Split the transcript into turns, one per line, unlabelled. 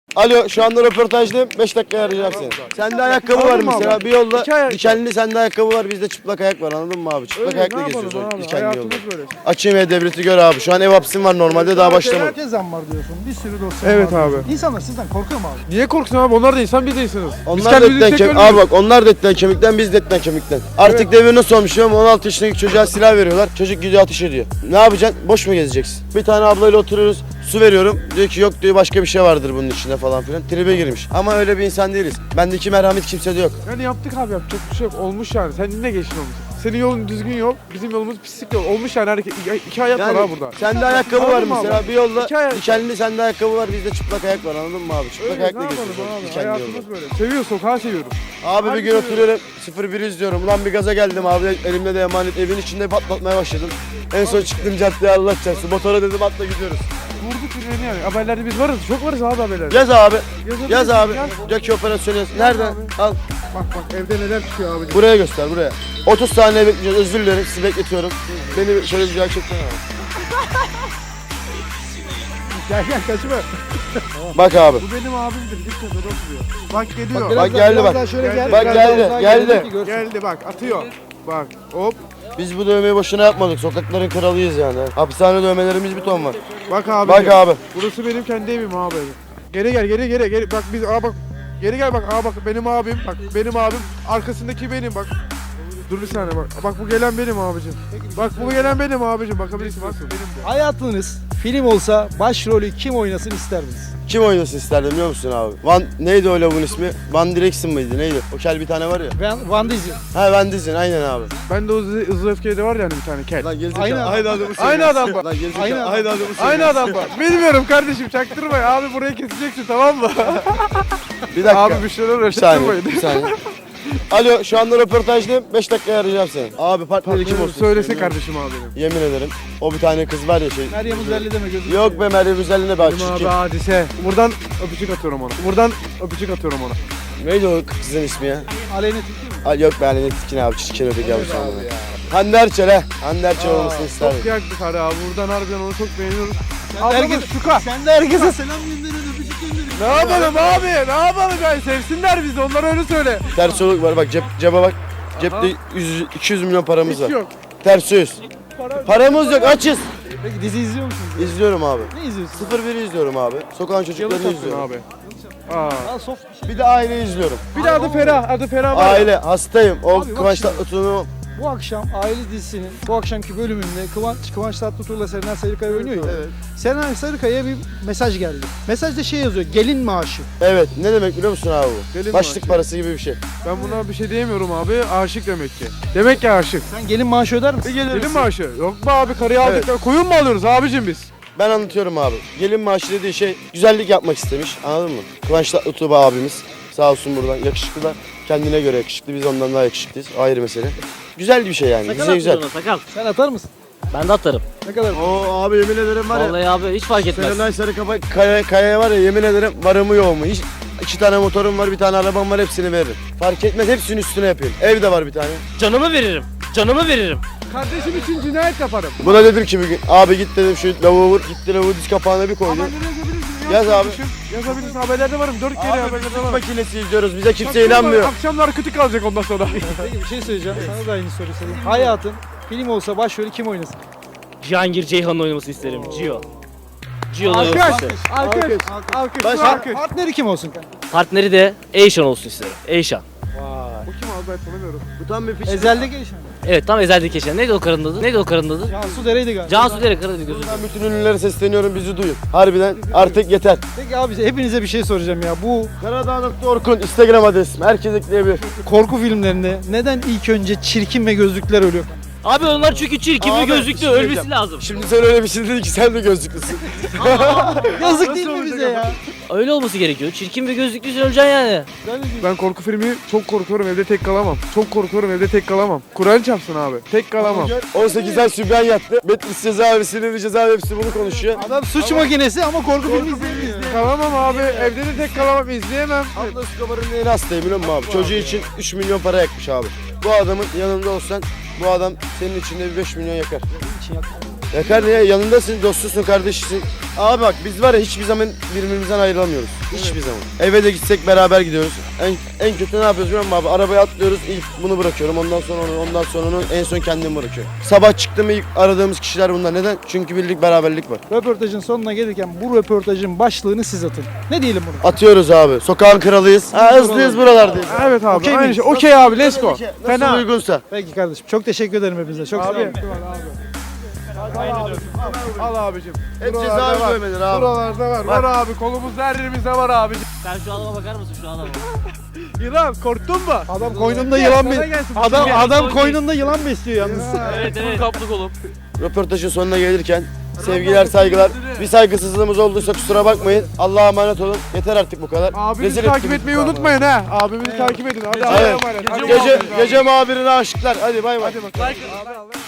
Alo, şu anda röportajdayım. 5 dakika arayacağım seni. Sende ayakkabı var mesela. Bir yolda dikenli sende ayakkabı var, bizde çıplak ayak var, anladın mı abi? Çıplak ayakla geziyoruz o dikenli yolda. Açayım E-Devlet'i gör abi. Şu an ev hapsim var normalde, daha başlamadım.
Herkes zam var diyorsun. Bir sürü dosya
Evet
var.
abi.
İnsanlar sizden korkuyor mu abi?
Niye korksun abi? Onlar da insan, biz de insanız.
Onlar da etten kemik. Abi bak, onlar da etten kemikten, biz de etten kemikten. Artık devir nasıl olmuş biliyor musun? 16 yaşındaki çocuğa silah veriyorlar. Çocuk gidiyor ateş ediyor. Ne yapacaksın? Boş mu gezeceksin? Bir tane ablayla oturuyoruz. Su veriyorum. Diyor ki yok diyor, başka bir şey vardır bunun içinde falan filan. Tribe girmiş. Ama öyle bir insan değiliz. Bendeki merhamet kimsede yok.
Yani yaptık abi, yapacak bir şey yok. Olmuş yani. Sen ne geçtin olmuş? Senin yolun düzgün yol, bizim yolumuz pislik yol. Olmuş yani, hareket. İki hayat var abi burada.
Sende ayakkabı var
Anladın mı
mesela.
abi?
Bir yolda
Hikaye-
dikenli sende ayakkabı var, bizde çıplak ayak var, anladın mı abi? Çıplak
Öyle,
ayakla
ne yapalım
geziyoruz
abi?
dikenli yolda.
Hayatımız böyle. Seviyoruz, sokağı seviyoruz.
Abi bir
Harbi
gün
seviyorum.
oturuyorum 01 izliyorum. Ulan bir gaza geldim abi. Elimde de emanet, evin içinde patlatmaya başladım. En son çıktım caddeye, Allah çarpsın. Motora dedim atla gidiyoruz.
Vurduk birbirine yani. Haberlerde biz varız. Çok varız abi haberlerde.
Yaz abi.
Yazabilirsin,
Yaz abi.
yaz.
Jackie operasyonu yaz. Nerede?
abi.
Al.
Bak evde neler çıkıyor abi.
Buraya göster, buraya. 30 saniye bekleyeceğiz. Özür dilerim. Sizi bekletiyorum. Beni şöyle bir gerçekten abi.
Gel kaçma.
Bak abi.
Bu benim abimdir. Git köşede oturuyor. Bak geliyor.
Bak geldi bak.
Şöyle gel.
Bak
biraz
geldi,
daha uzağa
geldi.
gelelim ki görsün.
Geldi bak, atıyor. Bak hop.
Biz bu dövmeyi boşuna yapmadık. Sokakların kralıyız yani. Hapishane dövmelerimiz bir ton var.
Bak abi.
Bak abi.
Burası benim kendi evim abi. Geri gel, geri. Bak biz, bak. Geri gel bak, bak benim abim. Bak benim abim. Arkasındaki benim bak. Dur bir saniye bak. Bak bu gelen benim abicim. Bak bu gelen benim abicim. Bakabilirsin bak. Benim bu.
Hayatınız film olsa başrolü kim oynasın isterdiniz?
Kim oynasın isterdim biliyor musun abi? Neydi o lavun ismi? Van Direction mıydı? Neydi? O kel bir tane var ya.
Ben Van Diesel.
Ha, Van Diesel, aynen abi.
Ben de o hızlı öfkede var yani bir tane kel.
Lan gerizekalı.
Aynı adam.
Aynı adamı
Aynı adam bak.
Lan gerizekalı.
Aynı adam.
Aynı adamı
Aynı adam bak. Bilmiyorum kardeşim, çaktırma ya. Abi burayı keseceksin, tamam mı?
Bir dakika.
Abi bir şeyler
Bir saniye.
uğraştırmayın.
Bir saniye. Alo, şu anda röportajdayım. 5 dakikaya arayacağım seni. Abi partneri kim olsun?
Söylese
istiyorum?
kardeşim abi benim.
Yemin ederim. O bir tane kız var ya şey.
Meryem Uzerli deme gözüm.
Yok be, Meryem Üzerli'ne bak
Benim abi
çirkin.
hadise. Buradan öpücük atıyorum ona. Buradan öpücük atıyorum ona.
Neydi o kızın ismi ya?
Aleyna Tilki mi?
Ay yok be, ne tikin abi, çirkin öteki abi sana. Hande Erçel he. Hande Erçel olmasını isterdim.
Çok yaktık hadi abi. Buradan harbiden onu çok beğeniyoruz.
Herkes-
Ablamız şuka.
Sen de herkese selam gönderin, öpücük gönderin.
Ne yapalım abi? Ne yapalım yani? Sevsinler bizi. Onlara öyle söyle.
Ters oluk var bak, cebe bak. Cepte 200 milyon paramız
Hiç
var.
yok.
Ters yüz. Paramız yok, açız.
Peki dizi izliyor musunuz?
İzliyorum abi.
Ne izliyorsun?
01'i izliyorum abi. Sokağın çocuklarını
Yalı sattın
izliyorum.
abi. Aa.
Aa, soft bir şey.
Bir de aile izliyorum.
Bir de adı Ferah. Adı Ferah var. ya.
Aile, hastayım. O
Abi bak
Kıvanç
şimdi.
Tatlıtuğ'un
Bu akşam aile dizisinin bu akşamki bölümünde Kıvanç Tatlıtuğ'la Serenay Sarıkaya oynuyor ya.
Evet.
Serenay Sarıkaya'ya bir mesaj geldi. Mesajda şey yazıyor, gelin maaşı.
Evet, ne demek biliyor musun abi bu?
Gelin
Başlık
maaşı.
parası gibi bir şey.
Ben buna bir şey diyemiyorum abi. Aşık demek ki. Demek ki aşık.
Sen gelin maaşı öder misin?
Gelin maaşı. Yok be abi, karıyı aldık.
Evet.
Koyun mu alıyoruz abicim biz?
Ben anlatıyorum abi. Gelin maaşı dediği şey güzellik yapmak istemiş, anladın mı? Kıvanç Tatlıtuğ abimiz sağ olsun buradan, yakışıklılar. Kendine göre yakışıklı, biz ondan daha yakışıklıyız. Ayrı mesele. Güzel bir şey yani,
Sakal
bize güzel.
atıyorsun ona, sakal.
Sen atar mısın?
Ben de atarım.
Ne kadar?
Oo abi, yemin ederim var ya.
Vallahi abi hiç fark etmez.
Serenay Sarıkaya Kaya'ya var ya, yemin ederim varımı yoğumu. Hiç 2 tane motorum var, bir tane arabam var, hepsini veririm. Fark etmez, hepsinin üstüne yapayım. Ev de var bir tane.
Canımı veririm. Canımı veririm.
Kardeşim için cinayet yaparım.
Buna dedim ki bir gün, abi git dedim şu lavuğu vur. Gitti lavuğu diz kapağına bir koydu.
Haberleri yazabilirsin.
Yaz abi.
kardeşim. Yazabilirsin. Haberlerde varım. 4 kere
Abi
haberlerde
biz
varım.
makinesi izliyoruz, bize kimse
Akşamlar-
inanmıyor.
Akşamlar kötü kalacak ondan sonra.
Peki bir şey söyleyeceğim. Sana da aynı soruyu sorayım. Hayatın film olsa başrolü kim oynasın?
Cihangir Ceyhan'ın oynamasını isterim. Cio. Cio'nun
Alkış.
oynamasını isterim.
Alkış. Alkış.
Başka-
Alkış.
Partneri kim olsun kanka?
Partneri de Eyşan olsun isterim. Eyşan.
Bu kim abi, ben tanımıyorum.
Bu tam bir piç.
Ezelde gelişen.
Evet, tam ezeldeki Eyşan. Neydi o karının adı? Neydi o karının adı?
Cansu Dere'ydi galiba.
Cansu Dere, Karadeniz gözü.
Ben bütün ünlülere sesleniyorum, bizi duyun. Harbiden artık yeter.
Peki abi hepinize bir şey soracağım ya. Bu
Karadağ.orkun Instagram adresim. Herkes ekleyebilir.
korku filmlerinde neden ilk önce çirkin ve gözlükler ölüyor?
Abi onlar çünkü çirkin ve
Abi,
gözlüklü,
bir şey
ölmesi
diyeceğim.
lazım.
Şimdi sen öyle bir şey dedin ki sen de gözlüklüsün.
Yazık değil mi bize ya?
Öyle olması gerekiyor. Çirkin ve gözlüklüysen öleceksin yani.
Ben korku filmi çok korkuyorum, evde tek kalamam. Çok korkuyorum, evde tek kalamam. Kur'an çarpsın abi. Tek kalamam.
18 ay sübyan yattı. Betlis cezaevi, Silivri cezaevi hepsi bunu konuşuyor.
Adam suç makinesi ama korku filmi izlemiyor.
Kalamam abi. Evde de tek kalamam. İzleyemem.
Abla Escobar'ın neyini hastayım biliyor musun abi? Çocuğu için 3 milyon para yakmış abi. Bu adamın yanında olsan bu adam senin için de bir 5 milyon yakar.
için yaptım.
Yakar ya, yanındasın, dostusun, kardeşisin. Abi bak biz var ya hiçbir zaman birbirimizden ayrılamıyoruz. Hiçbir zaman. Eve de gitsek beraber gidiyoruz. En kötü ne yapıyoruz biliyor musun abi? Arabaya atlıyoruz, ilk bunu bırakıyorum, ondan sonra onu, ondan sonra onu, en son kendimi bırakıyorum. Sabah çıktım ilk aradığımız kişiler bunlar. Neden? Çünkü birlik, beraberlik var.
Röportajın sonuna gelirken bu röportajın başlığını siz atın. Ne diyelim bunu?
Atıyoruz abi. Sokağın kralıyız. Ha, hızlıyız buralardayız.
Evet abi.
Okey
Aynı
miyiz?
şey. Okey abi. Let's go.
Nasıl
Fena.
uygunsa.
Peki kardeşim. Çok teşekkür ederim hepinize. Çok sağ olun.
Abi. Al abicim.
Hep
Buralarda
cezaevi
var.
dövmeleri abi.
Buralarda var. Var abi. Kolumuzda her yerimizde var abicim.
Sen şu adama bakar mısın şu adama?
Yılan korktun mu?
Adam koynunda yılan
Sana gelsin.
Adam koynunda yılan besliyor yalnız.
Evet evet. Kaplık olup.
Röportajın sonuna gelirken sevgiler, saygılar. Bir saygısızlığımız olduysa kusura bakmayın. Allah'a emanet olun. Yeter artık bu kadar.
Abimizi
Rezil
takip
ettiniz
etmeyi
bizi.
unutmayın ha. Abimizi takip edin. Hadi
Evet.
Allah'a emanet. Hadi
Gece,
görüşürüz abi.
gece muhabirine aşıklar. Hadi bay bay.
Hadi bakalım.